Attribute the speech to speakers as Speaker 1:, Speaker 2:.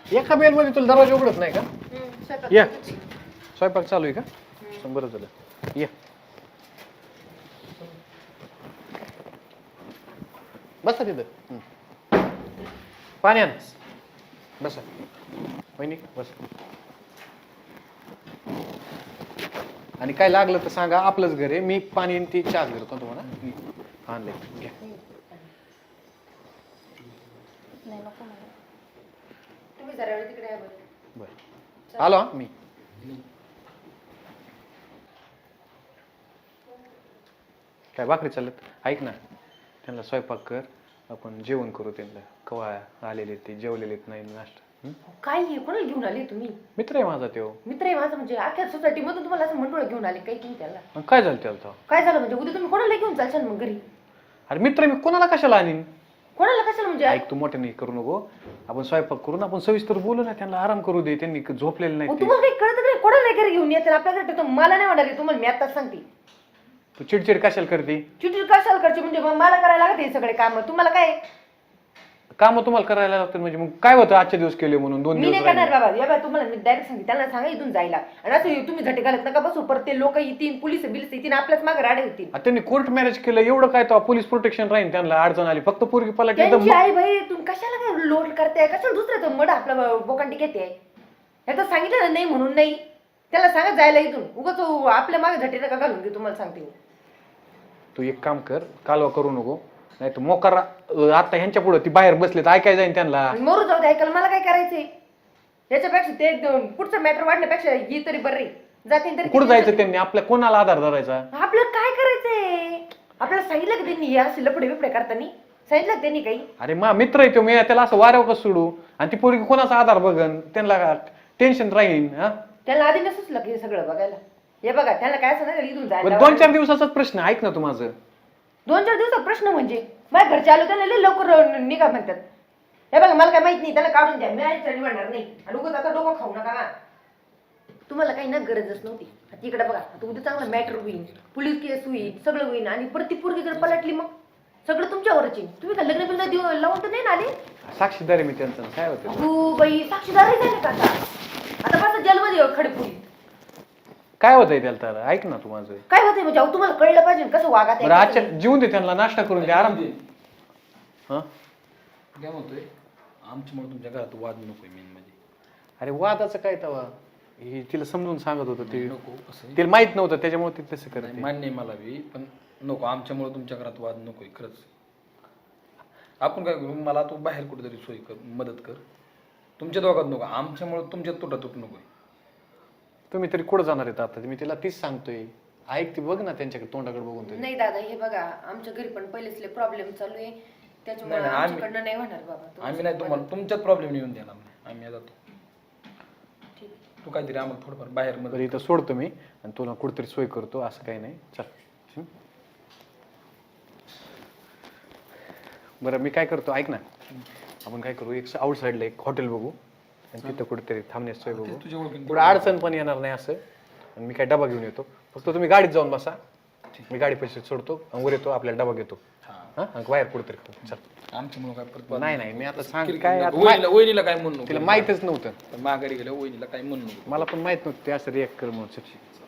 Speaker 1: एका बेल मध्ये तुला दरवाजा उघडत नाही का? या स्वयंपाक चालू आहे का? बरं झालं. या बसा तिथं. पाणी आण. बसा वहिनी बसा. आणि काय लागलं तर सांगा, आपलंच घर आहे. मी पाणी आणि ती चहा करतो तुम्हाला. आणले घ्या. बरं आलो मी. काय भाकरी चालत? ऐक ना, त्यांना स्वयंपाक कर, आपण जेवण करू. त्यांना कवा आलेले ते जेवलेले नाही नाश्ता.
Speaker 2: काय कोणाला घेऊन आले तुम्ही?
Speaker 1: मित्र आहे माझा तो.
Speaker 2: मित्र आहे माझा म्हणजे अख्ख्या सोसायटी मधून तुम्हाला असं मंडळ घेऊन आले काही तुम्ही त्याला?
Speaker 1: काय झालं त्याला?
Speaker 2: काय झालं म्हणजे उद्या तुम्ही कोणाला घेऊन जाल मग घरी?
Speaker 1: अरे मित्र मी कोणाला कशाला आणीन?
Speaker 2: कोणाला कशाला म्हणजे?
Speaker 1: ऐक तू मोठे नाही करू नको. आपण स्वयंपाक करून आपण सविस्तर बोलू ना, त्यांना आराम करू दे. त्यांनी झोपलेले नाही.
Speaker 2: तुम्हाला काही कळत नाही कोणाला घरी घेऊन येतात आपल्या घरी? मला नाही वाटत तुम्हाला, मी आताच सांगते.
Speaker 1: तू चिडचिड कशाला करते?
Speaker 2: चिडचिड कशाला करते म्हणजे? मग मला करायला लागत हे सगळे काम. तुम्हाला काय
Speaker 1: काम तुम्हाला करायला लागतं म्हणजे? मग काय होतं आजचे दिवस केले म्हणून 2
Speaker 2: मी
Speaker 1: दिवस
Speaker 2: नाही करणार बाबा. या बाबा तुम्हाला मी डायरेक्ट सांगते, त्यांना सांगा इथून जायला. आणि असं तुम्ही झटे घालत नका बसू. परत ते लोक येतील, पोलीस बिलीस येतील, आपल्याच मागे राडे होतील.
Speaker 1: त्यांनी कोर्ट मॅरेज केलं एवढं काय तो पोलीस प्रोटेक्शन राहील. त्यांना अडचण आली फक्त पोरगी पलटली तर
Speaker 2: त्यांची आई भाई तुम्ही कशाला काय लोड करताय? कशाला दुसऱ्याचं मड आपल्या बोकांडी घेते? ह्याचं सांगितलं ना नाही म्हणून नाही. त्याला सांगा जायला इथून. उगाच आपल्या मागे झटे नका घालून घे. तुम्हाला सांगते मी.
Speaker 1: तू एक काम कर, कालवा करू नको. नाही तर मोकार आता ह्यांच्या पुढे ती बाहेर बसले तर ऐकाय जाईन त्यांना.
Speaker 2: मरू जाऊ दे, ऐकायला मला काय करायचंय? याच्यापेक्षा ते पुढचं मॅटर वाढण्यापेक्षा ही तरी बरी जाते तरी.
Speaker 1: कुठं जायचं त्यांनी? आपल्या कोणाला आधार धरायचा?
Speaker 2: आपल्याला काय करायचंय? आपल्याला सांगितलं का त्यांनी असे लपडे बिपडे करताना? सांगितलं त्यांनी काही?
Speaker 1: अरे मा मित्र आहे तो. मी त्याला असं वाऱ्यावर कसं सोडू? आणि ती पोरगी कोणाचा आधार बघन? त्यांना टेन्शन राहीन.
Speaker 2: त्यांना आधी नसुच हे सगळं बघायला. हे बघा त्यांना काय असं नाही इथून जायला.
Speaker 1: 2-4 दिवसाचाच प्रश्न. ऐक ना तू माझं.
Speaker 2: 2-4 दिवसात प्रश्न म्हणजे? माझ्या घरचे आलो त्यांना लय लवकर निघा म्हणतात. हे बघा मला काय माहित नाही, त्याला काढून द्या. मी निवडणार नाही. आणि उगाच आता डोकं खाऊ नका. तुम्हाला काही ना गरजच नव्हती. आता इकडे बघा, आता उद्या चांगला मॅटर होईल, पोलीस केस होईल, सगळं होईल. आणि परत ती पोरगी जर पलटली मग सगळं तुमच्यावरच येईल. तुम्ही काय लग्न बिग्न देऊ लावून तर नाही ना आले?
Speaker 1: साक्षीदार आहे मी त्यांचं. काय होतं
Speaker 2: तू बाई साक्षीदार आहे का आता? आता बस जेलमध्ये खडपुरी.
Speaker 1: काय होतंय त्याला? तर ऐक ना तू माझं.
Speaker 2: काय होतंय म्हणजे? तुम्हाला कळलं पाहिजे कसं वागात.
Speaker 1: बरं आजच्या जीवन दे त्यांना, नाश्ता करून दे, आराम दे.
Speaker 3: काय म्हणतोय? आमच्यामुळे तुमच्या घरात वाद नकोय मेन म्हणजे.
Speaker 1: अरे वादाचं काय तवा? हे तिला समजून सांगत होतं ते.
Speaker 3: नको असं
Speaker 1: तिला माहित नव्हतं त्याच्यामुळे ती तसं करते.
Speaker 3: मान्य आहे मला बी, पण नको आमच्यामुळे तुमच्या घरात वाद नकोय खरंच. आपण काय करू, मला तू बाहेर कुठेतरी सोय कर, मदत कर. तुमच्या दोघात नको, आमच्यामुळे तुमच्यात तुटातूट नकोय.
Speaker 1: तुम्ही तरी कुठं जाणार आहेत आता? मी तिला तीच सांगतोय. ऐक ती बघ ना त्यांच्याकडे, तोंडाकडे बघून तरी.
Speaker 2: नाही दादा, हे बघा आमच्या घरी पण पहिलेच प्रॉब्लेम चालू आहे. त्याच्यामुळे आमच्याकडनं नाही होणार बाबा.
Speaker 3: आम्ही नाही तुम्हाला तुमच्यात प्रॉब्लेम येऊन देणार नाही. आम्ही जातो.
Speaker 2: ठीक.
Speaker 3: तू काहीतरी आम्हाला थोडंफार बाहेर मदत.
Speaker 1: बरं इथं सोडतो मी आणि तुला कुठेतरी सोय करतो. असं काही नाही. चल. बरं मी काय करतो ऐक ना, आपण काय करू, एक आउट साईडला एक हॉटेल बघू आणि तिथं कुठेतरी थांबण्याची सोय बघू.
Speaker 3: तुझ्या ओळखीने
Speaker 1: पुढे अडचण पण येणार नाही असं. आणि मी काय डबा घेऊन येतो. फक्त तुम्ही गाडीत जाऊन बसा. मी गाडी पैसे सोडतो, वर येतो, आपल्याला डबा घेतो. हा बाहेर कुठेतरी खाऊ. चल.
Speaker 3: आमच्यामुळे काय परत
Speaker 1: नाही मी आता सांग काय.
Speaker 3: वहिनीला काय म्हणू नको.
Speaker 1: तिला माहितच नव्हतं.
Speaker 3: माघारी गेल्या वहिनीला काय म्हणू नको.
Speaker 1: मला पण माहित नव्हतं ते असं रिॲक्ट कर म्हणून.